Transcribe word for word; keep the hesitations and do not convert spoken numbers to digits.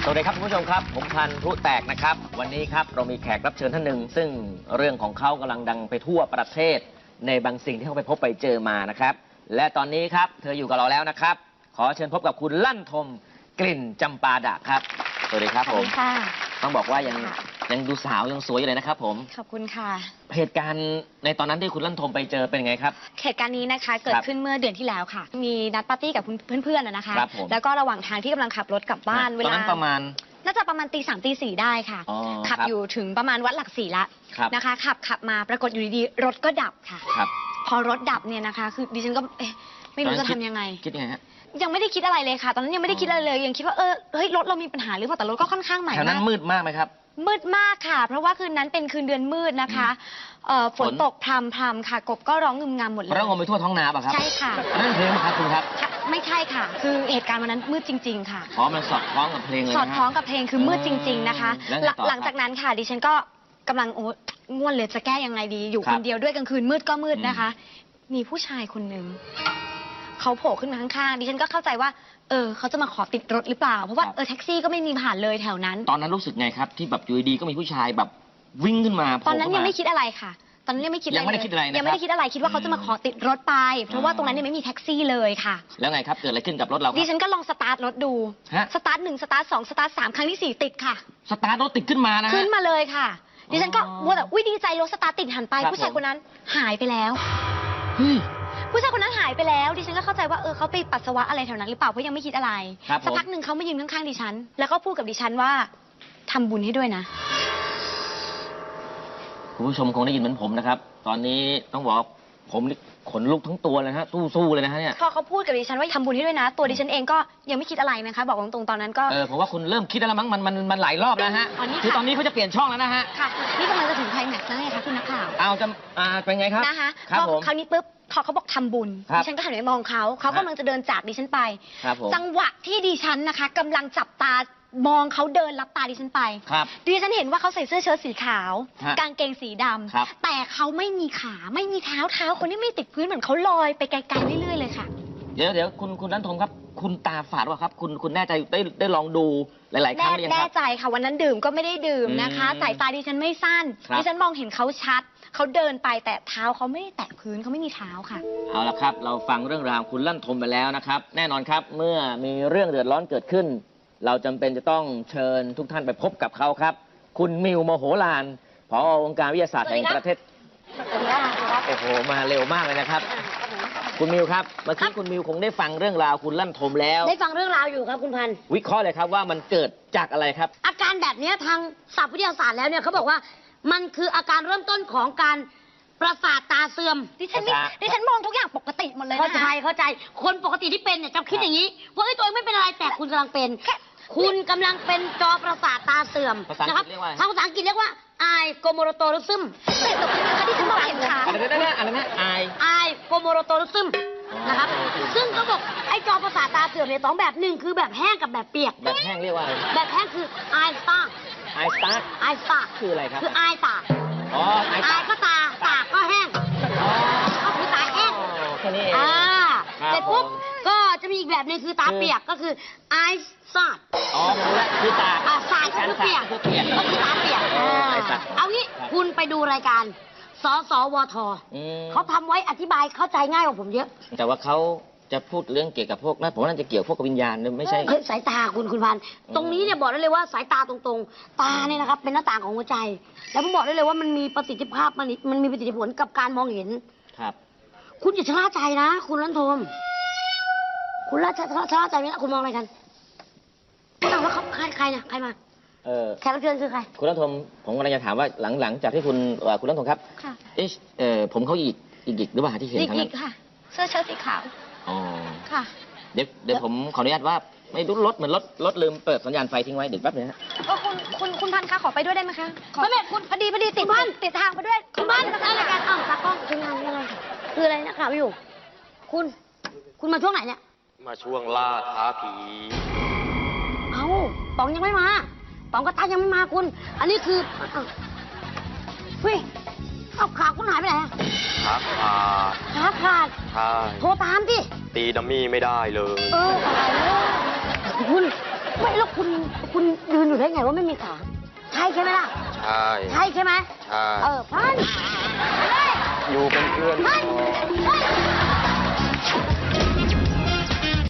วัสดีครับคุณผู้ชมครับผมพันธุ์พลุแตกนะครับวันนี้ครับเรามีแขกรับเชิญท่านหนึ่งซึ่งเรื่องของเขากำลังดังไปทั่วประเทศในบางสิ่งที่เขาไปพบไปเจอมานะครับและตอนนี้ครับเธออยู่กับเราแล้วนะครับขอเชิญพบกับคุณลั่นทมกลิ่นจำปาดะครับสวัสดีครับผมต้องบอกว่ายังยังดูสาวยังสวยอยู่เลยนะครับผมขอบคุณค่ะเหตุการณ์ในตอนนั้นที่คุณลั่นทมไปเจอเป็นไงครับเหตุการณ์นี้นะคะเกิดขึ้นเมื่อเดือนที่แล้วค่ะมีนัดปาร์ตี้กับเพื่อนๆนะคะแล้วก็ระหว่างทางที่กำลังขับรถกลับบ้านเวลาตอนนั้นประมาณน่าจะประมาณตีสามตีสี่ได้ค่ะขับอยู่ถึงประมาณวัดหลักสี่ละนะคะขับขับมาปรากฏอยู่ดีๆรถก็ดับค่ะพอรถดับเนี่ยนะคะคือดิฉันก็เอ๊ะไม่รู้จะทำยังไงคิดยังไงฮะยังไม่ได้คิดอะไรเลยค่ะตอนนั้นยังไม่ได้คิดอะไรเลยยังคิดว่าเออเฮ้ยรถเรามีปัญหาหรือเปล่าแต่รถก็ค่อนข้างใหม่มากแถวนั้นมืดมากไหมครับมืดมากค่ะเพราะว่าคืนนั้นเป็นคืนเดือนมืดนะคะฝนตกพรำพรำค่ะกบก็ร้องงึมงำหมดเลยร้องงมไปทั่วท้องนาป่ะครับใช่ค่ะนั่นเพลงไหมครับคุณครับไม่ใช่ค่ะคือเหตุการณ์วันนั้นมืดจริงๆค่ะอ๋อมันสอดคล้องกับเพลงเลยสอดคล้องกับเพลงคือมืดจริงๆนะคะหลังจากนั้นค่ะดิฉันก็กำลังโอ้ง่วนเลยจะแก้ยังไงดีอยู่คนเดียวด้วยกลางคืนมืดก็มืดนะคะมีผู้ชายคนหนึ่งเขาโผล่ขึ้นมาข้างๆดิฉันก็เข้าใจว่าเออเขาจะมาขอติดรถหรือเปล่าเพราะว่าเออแท็กซี่ก็ไม่มีผ่านเลยแถวนั้นตอนนั้นรู้สึกไงครับที่แบบอยู่ดีก็มีผู้ชายแบบวิ่งขึ้นมาตอนนั้นยังไม่คิดอะไรค่ะตอนนั้นยังไม่คิดอะไรยังไม่ได้คิดอะไรยังไม่ได้คิดอะไรคิดว่าเขาจะมาขอติดรถไปเพราะว่าตรงนั้นยังไม่มีแท็กซี่เลยค่ะแล้วไงครับเกิดอะไรขึ้นกับรถเราดิฉันก็ลองสตาร์ทรถดูสตาร์ทหนึ่งสตาร์ทสองสตาร์ทสามครั้งที่สี่ติดค่ะสตาร์ทรถติดขึ้นมานะขึ้นมาเลยค่ะดิฉันก็ว่าแต่อุ้ยดีใจรถสตาร์ทติดหันไปผู้ชายคนนั้นหายไปแล้วผู้ชายคนนั้นหายไปแล้วดิฉันก็เข้าใจว่าเออเขาไปปัสสาวะอะไรแถวนั้นหรือเปล่าเพราะยังไม่คิดอะไรสักพักหนึ่งเขามายืนข้างๆดิฉันแล้วก็พูดกับดิฉันว่าทำบุญให้ด้วยนะคุณผู้ชมคงได้ยินเหมือนผมนะครับตอนนี้ต้องบอกผมขนลุกทั้งตัวเลยฮะสู้ๆเลยนะฮะเนี่ยพอเขาพูดกับดิฉันว่าทำบุญให้ด้วยนะตัวดิฉันเองก็ยังไม่คิดอะไรนะคะบอกตรงๆตอนนั้นก็เออผมว่าคุณเริ่มคิดแล้วมั้งมันมันมันหลายรอบแล้วฮะคือตอนนี้เขาจะเปลี่ยนช่องแล้วนะฮะค่ะนี่กำลังจะถึงไคลแม็กซ์แล้วไงคะคุณนักข่าวเอาจะอ่าเป็นไงครับนะคะครับผมคราวนี้ปุ๊บพอเขาบอกทำบุญดิฉันก็หันไปมองเขาเขากำลังจะเดินจากดิฉันไปจังหวะที่ดิฉันนะคะกำลังจับตามองเขาเดินรับตาดิฉันไปดิฉันเห็นว่าเขาใส่เสื้อเชิ้ตสีขาวกางเกงสีดำแต่เขาไม่มีขาไม่มีเท้าเท้าคนนี้ไม่ติดพื้นเหมือนเขาลอยไปไกลๆเรื่อยๆเลยค่ะเดี๋ยวเดี๋ยวคุณคุณลั่นทมครับคุณตาฝาดวะครับคุณคุณแน่ใจได้ได้ลองดูหลายๆครั้งหรือยังครับแน่ใจค่ะวันนั้นดื่มก็ไม่ได้ดื่มนะคะสายตาดิฉันไม่สั้นดิฉันมองเห็นเขาชัดเขาเดินไปแต่เท้าเขาไม่ได้แตะพื้นเขาไม่มีเท้าค่ะเอาละครับเราฟังเรื่องราวคุณลั่นทมไปแล้วนะครับแน่นอนครับเมื่อมีเรื่องเดือดร้อนเกิดขึ้นเราจำเป็นจะต้องเชิญทุกท่านไปพบกับเขาครับคุณมิวโมโหลานผอ.องค์การวิทยาศาสตร์แห่งประเทศโอ้โหมาเร็วมากเลยนะครับคุณมิวครับเมื่อกี้คุณมิวคงได้ฟังเรื่องราวคุณลั่นทมแล้วได้ฟังเรื่องราวอยู่ครับคุณพันธุ์วิเคราะห์เลยครับว่ามันเกิดจากอะไรครับอาการแบบนี้ทางศัพท์วิทยาศาสตร์แล้วเนี่ยเขาบอกว่ามันคืออาการเริ่มต้นของการประสาทตาเสื่อมดิฉันดิฉันมองทุกอย่างปกติหมดเลยเข้าใจเข้าใจคนปกติที่เป็นเนี่ยจะคิดอย่างนี้ว่าไอ้ตัวเองไม่เป็นอะไรแต่คุณกำลังเป็นคุณกำลังเป็นจอประสาทตาเสื่อมนะครับทางภาษาอังกฤษเรียกว่าไอโกโมโรโตริซึมแต่ตรงนี้นะคะที่ฉันมองเห็นค่ะอะไรนะอะไรนะไอไอโกโมโรโตริซึมนะครับซึ่งเขาบอกไอจอประสาทตาเสื่อมเนี่ยสองแบบหนึ่งคือแบบแห้งกับแบบเปียกแบบแห้งเรียกว่าอะไรแบบแห้งคือไอสตาร์ไอสตาร์ไอสตาร์คืออะไรครับคือไอตาอ๋อไอก็ตาตาก็แห้งก็คือตาแห้งแค่นี้เองอ่าเสร็จปุ๊บก็จะมีอีกแบบหนึ่งคือตาเปียกก็คือไอซาดอ๋อรู้แล้วคือตาอ่าซาดคือเปียกก็คือตาเปียกเอางี้คุณไปดูรายการสสวทเขาทำไว้อธิบายเข้าใจง่ายกว่าผมเยอะแต่ว่าเขาจะพูดเรื่องเกี่ยวกับพวกนั้นผมน่าจะเกี่ยวพวกกับวิญญาณไม่ใช่สายตาคุณคุณพันตรงนี้เนี่ยบอกได้เลยว่าสายตาตรงๆตาเนี่ยนะครับเป็นหน้าต่างของหัวใจแล้วผมบอกได้เลยว่ามันมีประสิทธิภาพมันมันมีประสิทธิผลกับการมองเห็นครับคุณอย่าชะล่าใจนะคุณลั่นทมคุณล่าชะชะล่าใจไหมคุณมองอะไรกันคุณถามว่าเขาใครใครนะใครมาเออแขกรับเชิญคือใครคุณลั่นทมผมกำลังจะถามว่าหลังหลังจากที่คุณคุณลั่นทมครับค่ะเอชเออผมเขาอีกอีกอีกหรือเปล่าที่เห็นทั้งนั้นอีกค่ะเสื้อเชิ้ตสีขาวอ๋อค่ะเดี๋ยวเดี๋ยวผมขออนุญาตว่าไม่รู้รถเหมือนรถรถลืมเปิดสัญญาณไฟทิ้งไว้เดี๋ยวแป๊บนึงฮะก็คุณคุณคุณพันคะขอไปด้วยได้ไหมคะไม่ไม่คุณพอดีพอดีติดพันติดทางไปด้วยคุณพันทำรายการอ้าวตากล้องคืองานยังไงคืออะไรนะข่าวอยู่คุณคุณมาช่วงไหนเนี่ยมาช่วงล่าท้าผีเอ้าป๋องยังไม่มาป๋องกับตายังไม่มาคุณอันนี้คือเฮ้ยเอาขาคุณหายไปไหนขาขาดขาขาดใช่โทรตามดิตีดัมมี่ไม่ได้เลยเออตายแล้วคุณไม่แล้วคุณคุณยืนอยู่ได้ไงว่าไม่มีขาใช่ใช่ไหมล่ะใช่ใช่ใช่ไหมใช่เออพันไปเลยอยู่เป็นเพื่อนพันเฮ้ย